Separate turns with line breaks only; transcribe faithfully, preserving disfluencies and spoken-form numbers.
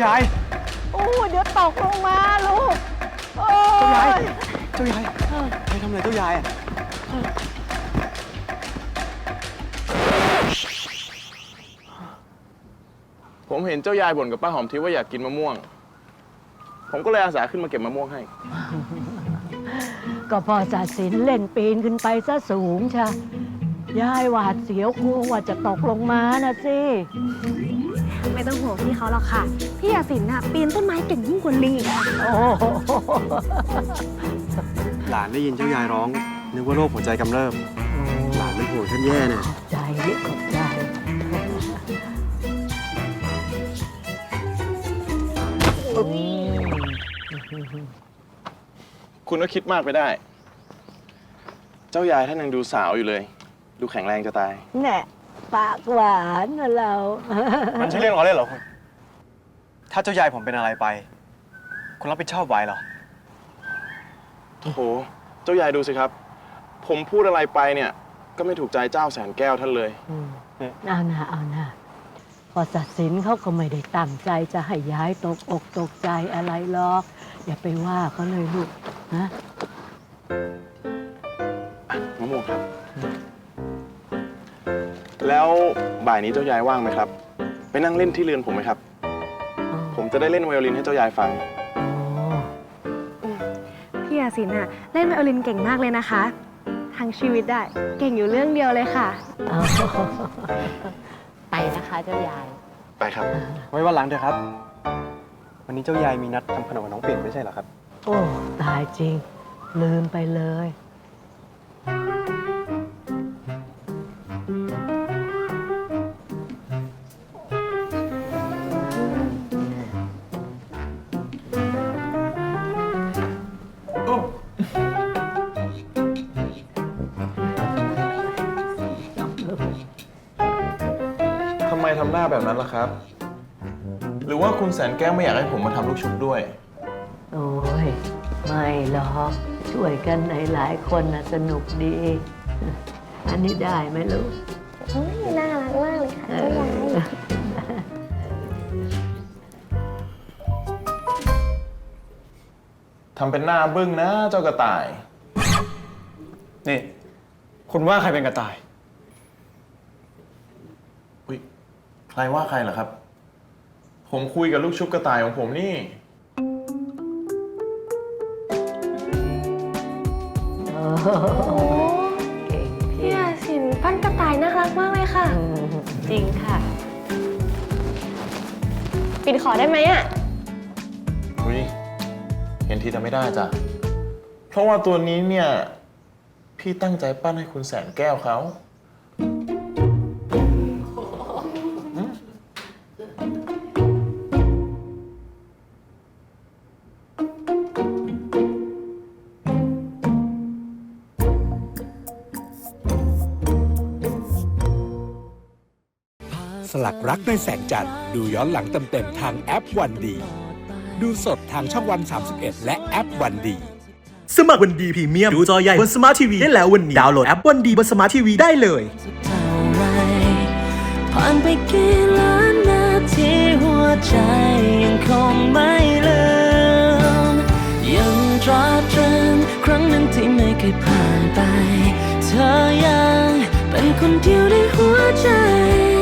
ายาย
โอ้เดี๋ยวตกลงมาลูกโอ้ย
เจ้ายายเจ้ายายใครทำอะไรเจ้ายายอ่ะ
ผมเห็นเจ้ายายบ่นกับป้าหอมทิพย์ว่าอยากกินมะม่วงผมก็เลยอาสาขึ้นมาเก็บมะม่วงให้
ก็พอศาสินเล่นปีนขึ้นไปซะสูงชะยายหวาดเสียวกลัวว่าจะตกลงมานะสิ
ไม่ต้องห่วงพี่เขาหรอกค่ะพี่ยาสินน่ะปีนต้นไม้เก่งยิ่งกว่าลิงอีกค่ะ
โอ้
หลานได้ยินเจ้ายายร้องนึกว่าโรคหัวใจกำเริบหลานเป็นห่วงท่านแย่เนี่ย
ใจขอบใจ
คุณก็คิดมากไปได้เจ้ายายท่านยังดูสาวอยู่เลยดูแข็งแรงจะตาย
แน่ปากหวานนะเรา
มันใช่เรื่องล้อเล่นเหรอคุณถ้าเจ้ายายผมเป็นอะไรไปคุณรับผิดชอบไหวเหรอ
โอ้โหเจ้ายายดูสิครับผมพูดอะไรไปเนี่ยก็ไม่ถูกใจเจ้าแสนแก้วท่านเลย
เอาหน้าเอาหน้าพอศาสินเขาก็ไม่ได้ตั้งใจจะให้ย้ายตกอกตกใจอะไรหรอกอย่าไปว่าเขาเลยลูกนะ
มะม่วงครับแล้วบ่ายนี้เจ้ายายว่างไหมครับไปนั่งเล่นที่เรือนผมไหมครับผมจะได้เล่นไวโอลินให้เจ้ายายฟัง
พี่ยาสินน่ะเล่นไวโอลินเก่งมากเลยนะคะทั้งชีวิตได้เก่งอยู่เรื่องเดียวเลยค่ะ
ไปนะคะเจ้ายาย
ไปครับ
ไว้วันหลังเถอะครับวันนี้เจ้ายายมีนัดทำขนมกับน้องเปลี่ยนไม่ใช่เหรอครับ
โอ้ตายจริงลืมไปเลย
ทำไมทำหน้าแบบนั้นล่ะครับหรือว่าคุณแสนแก้วไม่อยากให้ผมมาทำลูกชุบด้วย
โอ้ยไม่หรอกช่วยกันหลายๆคนนะสนุกดีอันนี้ได้ไหมลูก
น่ารักมากเลยค่ะเจ้ายาย
ทำเป็นหน้าบึ้งนะเจ้ากระต่าย
นี่คุณว่าใครเป็นกระต่าย
อุ้ยใครว่าใครเหรอครับผมคุยกับลูกชุบกระต่ายของผมนี่
เก่งพี่ยาสินปั้นกระต่ายน่ารักมากเลยค่ะ
จริงค่ะ
ปิดขอได้ไหมอ่ะ
อุ้ยเห็นทีแต่ไม่ได้จ้ะเพราะว่าตัวนี้เนี่ยพี่ตั้งใจปั้นให้คุณแสนแก้วเขา
สลักรักในแสงจันทร์ดูย้อนหลังเต็มๆทางแอปวันดีดูสดทางช่องวันสามสิบเอ็ดและแอปวันดี
สมัครวันดีพรีเมียมดูจอใหญ่บนสมาร์ททีวีได้แล้ววันนี้ดาวน์โหลดแอปวันดีบนสมาร์ททีวีได้เลยผ่านไปกี่ล้านนาทีหัวใจยังคงไม่ลืมยังตราตรึงครั้งนั้นที่ไม่เคยผ่านไปเธอยังเป็นคนเดียวในหัวใจ